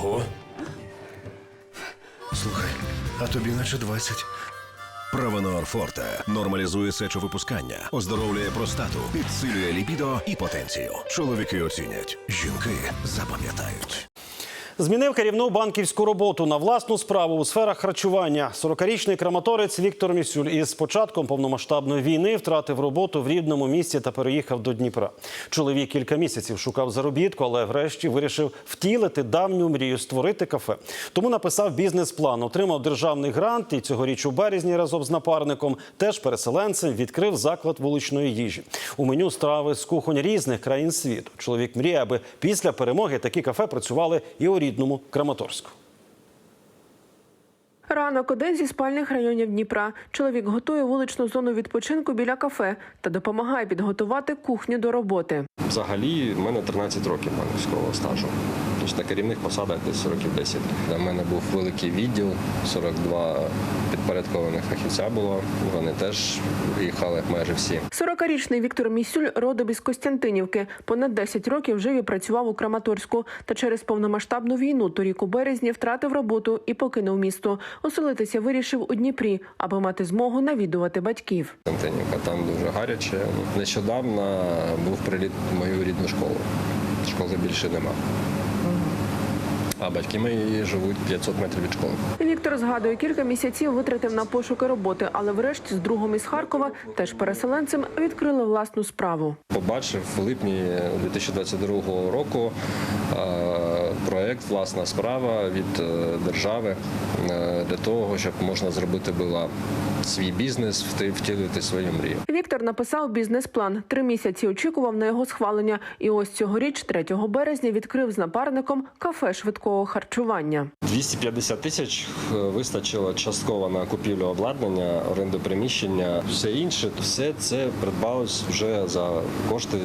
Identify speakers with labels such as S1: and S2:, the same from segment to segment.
S1: Ого. Слухай, а тобі наче 20.
S2: Правонор Форте нормалізує сечовипускання, оздоровлює простату, підсилює лібідо і потенцію. Чоловіки оцінять, жінки запам'ятають.
S3: Змінив керівну банківську роботу на власну справу у сферах харчування. 40-річний краматорець Віктор Місюль із початком повномасштабної війни втратив роботу в рідному місті та переїхав до Дніпра. Чоловік кілька місяців шукав заробітку, але врешті вирішив втілити давню мрію – створити кафе. Тому написав бізнес-план, отримав державний грант і цьогоріч у березні разом з напарником, теж переселенцем, відкрив заклад вуличної їжі. У меню страви з кухонь різних країн світу. Чоловік мріє, аби після перемоги такі кафе працювали і у рідному Краматорську.
S4: Ранок – один зі спальних районів Дніпра. Чоловік готує вуличну зону відпочинку біля кафе та допомагає підготувати кухню до роботи.
S5: Взагалі, в мене 13 років банківського стажу. Тобто на керівних посадах десь років 10. У мене був великий відділ, 42 підпорядкованих фахівця було. Вони теж їхали майже всі.
S4: 40-річний Віктор Місюль родом із Костянтинівки. Понад 10 років жив і працював у Краматорську. Та через повномасштабну війну торік у березні втратив роботу і покинув місто. Оселитися вирішив у Дніпрі, аби мати змогу навідувати батьків.
S5: Костянтинівка, там дуже гаряче. Нещодавно був приліт в мою рідну школу. Школи більше нема. А батьки мої живуть 500 метрів від школи.
S4: Віктор згадує, кілька місяців витратив на пошуки роботи, але врешті з другом із Харкова, теж переселенцем, відкрили власну справу.
S5: Побачив в липні 2022 року проєкт «Власна справа» від держави для того, щоб можна зробити було свій бізнес, втілити свою мрію.
S4: Віктор написав бізнес-план. 3 місяці очікував на його схвалення. І ось цьогоріч, 3 березня, відкрив з напарником кафе швидкого харчування.
S5: 250 тисяч вистачило частково на купівлю обладнання, оренду приміщення. Все інше, все це придбалось вже за кошти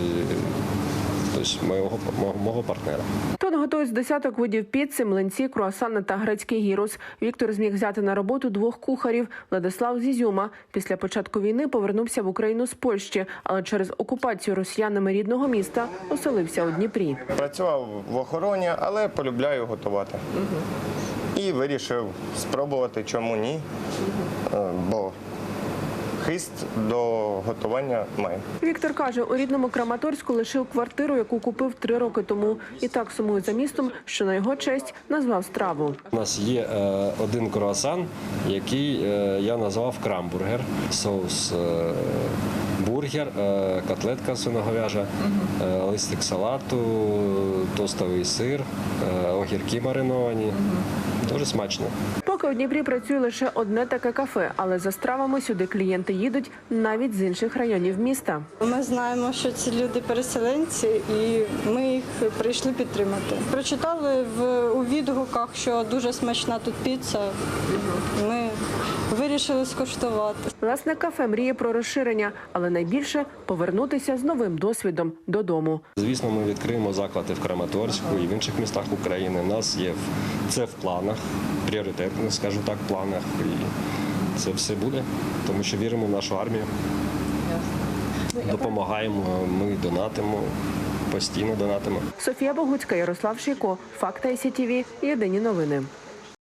S5: мого партнера.
S4: Тут готують з десяток видів піци, млинці, круасани та грецький гірус. Віктор зміг взяти на роботу 2 кухарів. Владислав з Ізюма. Після початку війни повернувся в Україну з Польщі, але через окупацію росіянами рідного міста оселився у Дніпрі.
S6: Працював в охороні, але полюбляю готувати. І вирішив спробувати, чому ні, бо хист до готування має.
S4: Віктор каже, у рідному Краматорську лишив квартиру, яку купив 3 роки тому. І так сумує за містом, що на його честь назвав страву.
S5: У нас є один круасан, який я назвав крамбургер. Соус бургер, котлетка свиноговяжа, листик салату, тостовий сир, огірки мариновані. Дуже смачно.
S4: Поки у Дніпрі працює лише одне таке кафе, але за стравами сюди клієнти їдуть навіть з інших районів міста.
S7: Ми знаємо, що ці люди переселенці, і ми їх прийшли підтримати. Прочитали у відгуках, що дуже смачна тут піца. Ми вирішили скуштувати.
S4: Власне, кафе мріє про розширення, але найбільше – повернутися з новим досвідом додому.
S5: Звісно, ми відкриємо заклади в Краматорську і в інших містах України. У нас є це в планах, пріоритетно, скажу так, планах. І це все буде, тому що віримо в нашу армію. Допомагаємо, ми донатимо, постійно донатимо.
S4: Софія Богуцька, Ярослав Шийко, Факти ICTV, Єдині новини.